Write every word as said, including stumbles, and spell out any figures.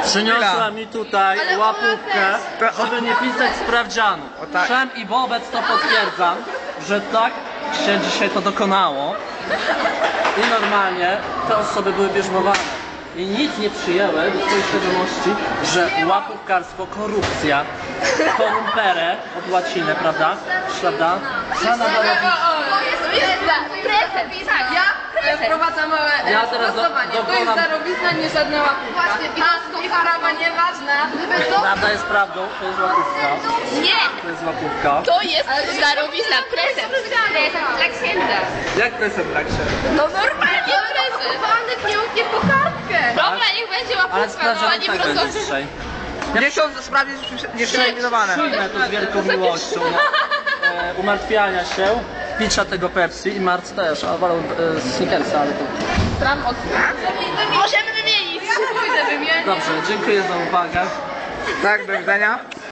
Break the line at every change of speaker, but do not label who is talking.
Przyniosła mi tutaj łapówkę, żeby nie pisać sprawdzianu.
tak.
Wszem i wobec to potwierdzam, że tak się dzisiaj to dokonało. I normalnie te osoby były bierzmowane. I nic nie przyjęły do swojej świadomości, że łapówkarstwo, korupcja, korumpere od łaciny, prawda? Prawda? Żadna
Ja wprowadzam małe
Ja teraz do-
sprostowanie. To jest
dokonam-
darowizna, nie żadna łapówka. Ta ich prawa nieważna.
Prawda jest prawdą, to jest łapówka.
Nie,
To jest łapówka.
to jest darowizna, prezent. Prezent dla księdza.
Jak prezent tak się?
No normalnie prezent.
Panek nie uknie po kartkę.
Dobra, niech będzie
Ale
łapówka, no
sprawdzian
a nie
tak będzie
prosto.
dzisiaj.
Miesiąc sprawie nieprzeeliminowane.
Przyjmę to z wielką miłością. No, e, umartwiania się, picia tego Pepsi i Marc też, a wolę e, Snickersa, ale to...
Tam od... Możemy wymienić.
Pójdę wymienić.
Dobrze, dziękuję za uwagę.
Tak, do widzenia.